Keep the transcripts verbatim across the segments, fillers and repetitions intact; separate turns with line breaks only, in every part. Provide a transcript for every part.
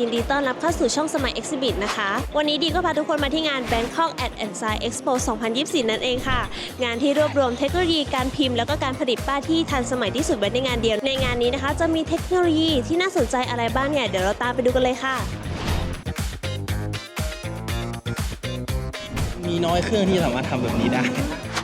ยินดีต้อนรับเข้าสู่ช่องสมัย Exhibit นะคะวันนี้ดีก็พาทุกคนมาที่งาน Bangkok Art and Science Expo สองพันยี่สิบสี่ นั่นเองค่ะงานที่รวบรวมเทคโนโลยีการพิมพ์แล้วก็การผลิตป้ายที่ทันสมัยที่สุดไว้ในงานเดียวในงานนี้นะคะจะมีเทคโนโลยีที่น่าสนใจอะไรบ้างเนี่ยเดี๋ยวเราตามไปดูกันเลยค่ะ
มีน้อยเครื่องที่สามารถทำแบบนี้ได้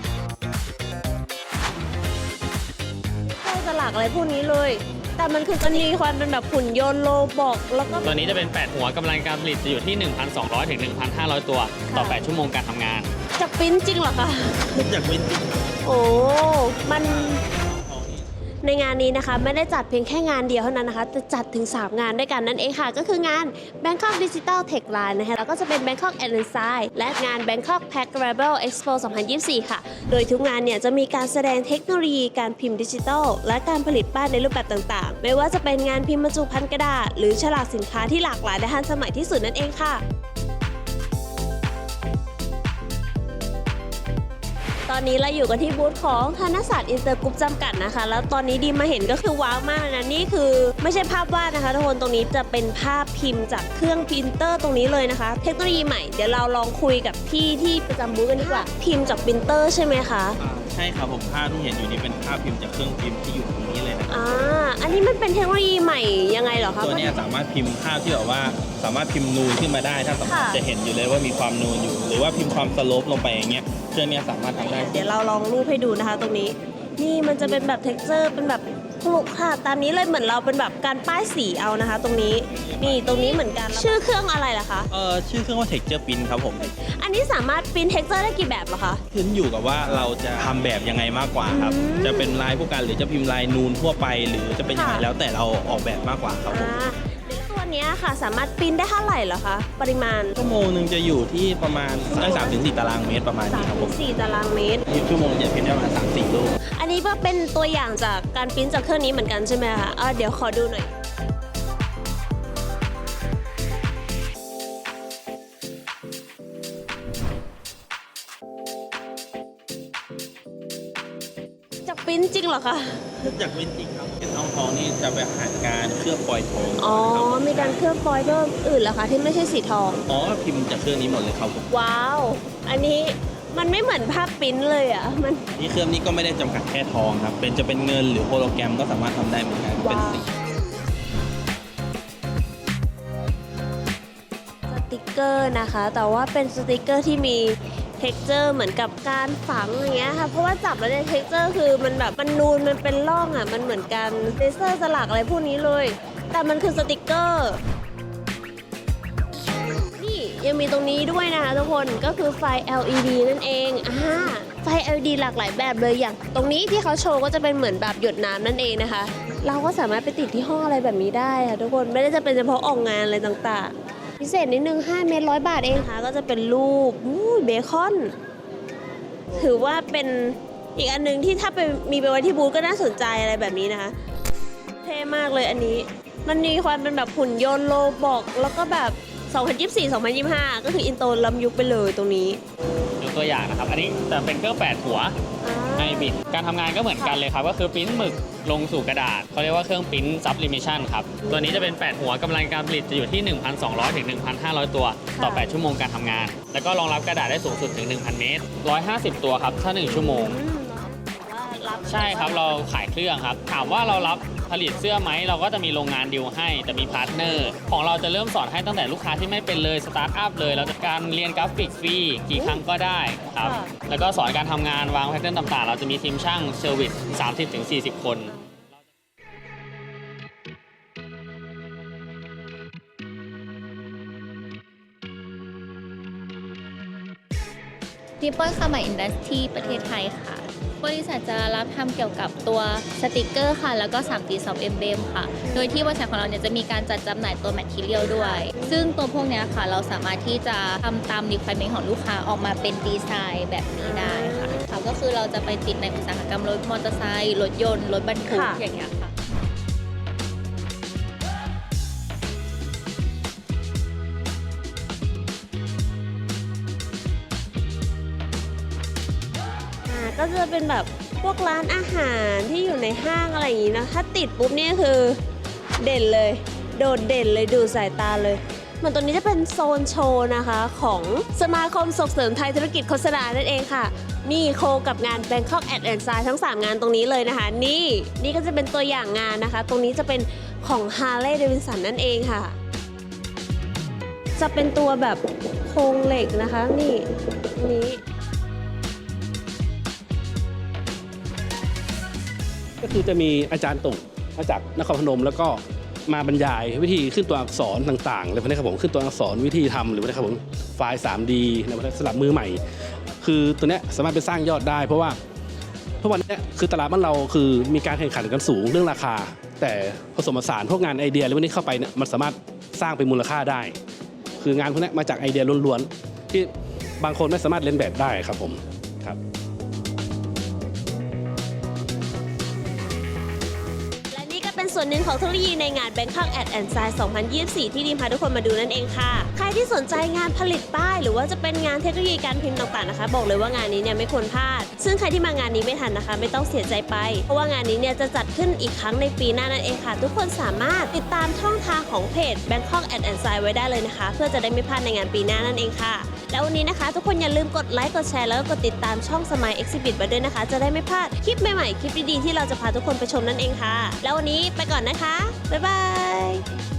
เข้าสลักอะไรพวกนี้เลยแต่มันคือจะมีความเป็นแบบหุ่นยนต์โลบอกแล้วก็
ตัวนี้จะเป็นแปดหัวกำลังการผลิตจะอยู่ที่ หนึ่งพันสองร้อย ถึง หนึ่งพันห้าร้อย ตัวต่อแปดชั่วโมงการทำงาน
จะปริ้นจริงเหรอคะ
จากเป็นจริง
โอ้มันในงานนี้นะคะไม่ได้จัดเพียงแค่งานเดียวเท่านั้นนะคะจะจัดถึงสามงานด้วยกันนั่นเองค่ะก็คืองาน Bangkok Digital Tech Line นะคะแล้วก็จะเป็น Bangkok Art and Science และงาน Bangkok Packable Expo สองพันยี่สิบสี่ ค่ะโดยทุกงานเนี่ยจะมีการแสดงเทคโนโลยีการพิมพ์ดิจิทัลและการผลิตป้ายในรูปแบบต่างๆไม่ว่าจะเป็นงานพิมพ์บรรจุภัณฑ์กระดาษหรือฉลากสินค้าที่หลากหลายและทันสมัยที่สุดนั่นเองค่ะตอนนี้เราอยู่กันที่บูธของธนศาสตร์อินเตอร์กรุ๊ปจำกัดนะคะแล้วตอนนี้ดีมาเห็นก็คือว้าวมากนะนี่คือไม่ใช่ภาพวาดนะคะทุกคนตรงนี้จะเป็นภาพพิมพ์จากเครื่องพิมพ์เตอร์ตรงนี้เลยนะคะเทคโนโลยีใหม่เดี๋ยวเราลองคุยกับพี่ที่ประจำบูธกันดีกว่าพิมพ์จากพิมพ์เตอร์ใช่ไหมคะ
ใช่ครับผมภาพที่เห็นอยู่นี้เป็นภาพพิมพ์จากเครื่องพิมพ์ที่อยู่ตรงนี้เลยนะ
อ่าอันนี้มันเป็นเทคโนโลยีใหม่ยังไงเหรอคะ
ตัวนี้สามารถพิมพ์ภาพที่แบบว่าสามารถพิมพ์นูนขึ้นมาได้ถ้าสมมติจะเห็นอยู่เลยว่ามีความนูนอยู่หรือว่าพิมพ์ความสโลปลงไปอย่างเงี้ยเครื่องนี้สามารถทำได้
เดี๋ยวเราลองรูปให้ดูนะคะตรงนี้นี่มันจะเป็นแบบเท็กเจอร์เป็นแบบคลุกค่ะตามนี้เลยเหมือนเราเป็นแบบการป้ายสีเอานะคะ ตรงนี้นี่ตรงนี้เหมือนกันชื่อเครื่องอะไรล่ะคะ
เออชื่อเครื่องว่า Texture Print ครับผม
อันนี้สามารถปริ้นเท็กเจอร์ได้กี่แบบเหรอคะ
ขึ้นอยู่กับว่าเราจะทำแบบยังไงมากกว่าครับจะเป็นลายผู้กันหรือจะพิมพ์ลายนูนทั่วไปหรือจะเป็นยังไงแล้วแต่เราออกแบบมากกว่าครับผม
ตัวนี้ค่ะสามารถปริ้นได้เท่าไหร่เหรอคะปริมาณ
ชั่วโมงหนึ่งจะอยู่ที่ประมาณตั้งสามถึงสี่ตารางเมตรประมาณนี้ครับผม
สี่ตารางเมตร
ชั่วโมงจะพิมพ์ได้ประมาณสามสี่รูป
อันนี้ก็เป็นตัวอย่างจากการปริ้นจากเครื่องนี้เหมือนกันใช่ไหมคะอ่ะเดี๋ยวขอดูหน่อยจากปริ้นจริงเหรอคะ
จากปริ้นจริงครับเป็นทองทองนี่จะไปผ่านการเคลือบฟอยล์ทอง
อ๋อมีการเคลือบฟอยล์เพิ่มอื่นเหรอคะที่ไม่ใช่สีทอง
อ๋อพิมพ์จากเครื่องนี้หมดเลยครับผม
ว้าวอันนี้มันไม่เหมือนภาพปริ้นเลยอ่ะมัน
นี่เครื่องนี้ก็ไม่ได้จำกัดแค่ทองครับเป็นจะเป็นเงินหรือโฮโลแกรมก็สามารถทำได้เหมือนกันเป็นสี
สติกเกอร์นะคะแต่ว่าเป็นสติกเกอร์ที่มีเท็กเจอร์เหมือนกับการฝังอย่างเงี้ยค่ะเพราะว่าจับแล้วเนี่ยเท็กเจอร์คือมันแบบมันนูนมันเป็นร่องอ่ะมันเหมือนกันเลเซอร์สลักอะไรพวกนี้เลยแต่มันคือสติกเกอร์นี่ยังมีตรงนี้ด้วยนะคะทุกคนก็คือไฟ แอล อี ดี นั่นเองอ่าไฟ แอล อี ดี หลากหลายแบบเลยอย่างตรงนี้ที่เขาโชว์ก็จะเป็นเหมือนแบบหยดน้ำนั่นเองนะคะเราก็สามารถไปติดที่ห้องอะไรแบบนี้ได้ค่ะทุกคนไม่ได้จะเป็นเฉพาะออกงานอะไรต่างๆพิเศษนิดนึงห้าเมตรร้อยบาทเองค่ะก็จะเป็นรูปเบคอนถือว่าเป็นอีกอันนึงที่ถ้าไปมีไปไว้ที่บูธก็น่าสนใจอะไรแบบนี้นะคะเท่มากเลยอันนี้มันมีความเป็นแบบหุ่นยนต์โลบอกแล้วก็แบบสองพันยี่สิบสี่ สองพันยี่สิบห้าก็คืออินโตล้ำยุคไปเลยตรงนี้
ยกตัวอย่างนะครับอันนี้จะเป็นเครื่องแปดหัวไฮบริดการทำงานก็เหมือนกันเลยครับก็คือปริ้นหมึกลงสู่กระดาษเขาเรียกว่าเครื่องปริ้นซับลิมิชันครับตัวนี้จะเป็นแปดหัวกำลังการผลิตจะอยู่ที่ หนึ่งพันสองร้อย ถึง หนึ่งพันห้าร้อย ตัวต่อแปดชั่วโมงการทำงานแล้วก็รองรับกระดาษได้สูงสุดถึง หนึ่งพัน เมตรหนึ่งร้อยห้าสิบตัวครับถ้าหนึ่งชั่วโมงใช่ครับเราขายเครื่องครับถามว่าเรารับผลิตเสื้อไหมเราก็จะมีโรงงานดีลให้แต่มีพาร์ทเนอร์ของเราจะเริ่มสอนให้ตั้งแต่ลูกค้าที่ไม่เป็นเลยสตาร์ทอัพเลยเราจะการเรียนกราฟิกฟรีกี่ครั้งก็ได้ครับแล้วก็สอนการทำงานวางแพทเทิร์นต่างๆเราจะมีทีมช่างเซอร์วิส สามสิบถึงสี่สิบ คน
นิปปอนคามาอินดัสทรีประเทศไทยค่ะบริษัทจะรับทำเกี่ยวกับตัวสติกเกอร์ค่ะแล้วก็ ทรี ดี Soft Emblem ค่ะโดยที่บริษัทของเราเนี่ยจะมีการจัดจำหน่ายตัว Material ด้วยซึ่งตัวพวกนี้ค่ะเราสามารถที่จะทำตาม requirement ของลูกค้าออกมาเป็นดีไซน์แบบนี้ได้ค่ะค่ะก็คือเราจะไปติดในอุตสาหกรรมรถมอเตอร์ไซค์รถยนต์รถบรรทุกอย่างเงี้ยค่ะ
ก็จะเป็นแบบพวกร้านอาหารที่อยู่ในห้างอะไรอย่างนี้นะถ้าติดปุ๊บเนี่ยคือเด่นเลยโดดเด่นเลยดูสายตาเลยเหมือนตรงนี้จะเป็นโซนโชว์นะคะของสมาคมส่งเสริมไทยธุรกิจโฆษณานั่นเองค่ะนี่โคกับงาน Bangkok Ad and Sign ทั้งสามงานตรงนี้เลยนะคะนี่นี่ก็จะเป็นตัวอย่างงานนะคะตรงนี้จะเป็นของ Harley Davidson นั่นเองค่ะจะเป็นตัวแบบโครงเหล็กนะคะนี่ตรงนี้
ก็คือจะมีอาจารย์ตุ่งมาจากนครพนมแล้วก็มาบรรยายวิธีขึ้นตัวอักษรต่างๆเลยพวกนี้ครับผมขึ้นตัวอักษรวิธีทำหรือว่าครับผมไฟล์ ทรีดี นะครับสำหรับมือใหม่คือตัวเนี้ยสามารถไปสร้างยอดได้เพราะว่าเพราะวันนี้คือตลาดบ้านเราคือมีการแข่งขันกันสูงเรื่องราคาแต่ผสมผสานพวกงานไอเดียอะไรพวกนี้เข้าไปเนี่ยมันสามารถสร้างเป็นมูลค่าได้คืองานพวกนี้มาจากไอเดียล้วนๆที่บางคนไม่สามารถเล่นแบบได้ครับผมครับ
เป็นส่วนหนึ่งของเทคโนโลยีในงาน Bangkok Ad and Sign สองพันยี่สิบสี่ ที่ดีมพาทุกคนมาดูนั่นเองค่ะใครที่สนใจงานผลิตป้ายหรือว่าจะเป็นงานเทคโนโลยีการพิมพ์ต่างๆนะคะบอกเลยว่างานนี้เนี่ยไม่ควรพลาดซึ่งใครที่มางานนี้ไม่ทันนะคะไม่ต้องเสียใจไปเพราะว่างานนี้เนี่ยจะจัดขึ้นอีกครั้งในปีหน้านั่นเองค่ะทุกคนสามารถติดตามช่องทางของเพจ Bangkok Ad and Sign ไว้ได้เลยนะคะเพื่อจะได้ไม่พลาดในงานปีหน้านั่นเองค่ะแล้ววันนี้นะคะทุกคนอย่าลืมกดไลค์กดแชร์แล้วก็กดติดตามช่อง Smile Exhibit ไว้ด้วยนะคะจะได้ไม่พลาดคลิปใหม่ๆคลิปดีๆที่เราจะพาทุกคนไปชมนั่นเองค่ะแล้ววันนี้ไปก่อนนะคะบ๊ายบาย